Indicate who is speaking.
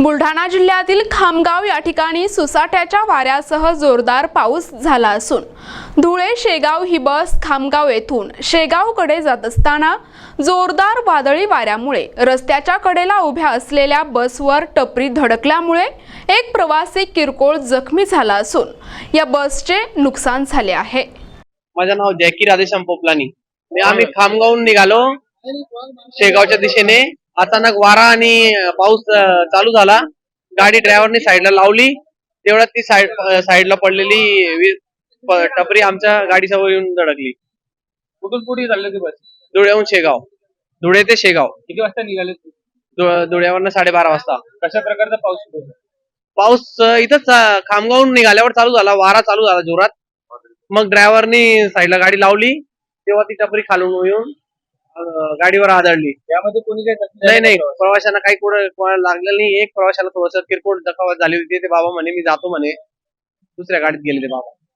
Speaker 1: बुलढाणा जिल्ह्यातील खामगाव या ठिकाणी सुसाट्याच्या वाऱ्यासह जोरदार पाऊस झाला असून धुळे शेगाव ही बस खामगाव येथून शेगावकडे जात असताना जोरदार वादळी वाऱ्यामुळे रस्त्याच्या कडेला उभ्या असलेल्या बसवर टपरी धडकल्यामुळे एक प्रवासी किरकोळ जखमी झाला असून या बसचे नुकसान झाले आहे।
Speaker 2: माझे नाव जॅकी राधेश्याम पोपलानी। आम्ही खामगावहून निघालो शेगावच्या दिशेने। अचानक वारा आणि पाऊस चालू झाला। गाडी ड्रायव्हरने साईडला लावली, तेवढ्यात ती साईडला पडलेली टपरी आमच्या गाडीसमोर येऊन धडकली।
Speaker 3: कुठून कुठे चालले ते बस?
Speaker 2: धुळ्याहून शेगाव, धुळे ते शेगाव।
Speaker 3: किती वाजता निघाले?
Speaker 2: धुळ्यावरनं 12:30 वाजता।
Speaker 3: कशा प्रकारचा पाऊस सुरू होता?
Speaker 2: पाऊस इथंच खामगावहून निघाल्यावर चालू झाला, वारा चालू झाला जोरात। मग ड्रायव्हरनी साईडला गाडी लावली, तेव्हा ती टपरी खालून येऊन गाडीवर आदळली।
Speaker 3: यामध्ये कोणी काही
Speaker 2: नाही, प्रवाशांना काही कोणाला लागलेलं नाही। एक प्रवाशाला थोडंसं किरकोळ दुखापत झाली होती। ते बाबा म्हणे मी जातो म्हणे, दुसऱ्या गाडीत गेले ते बाबा।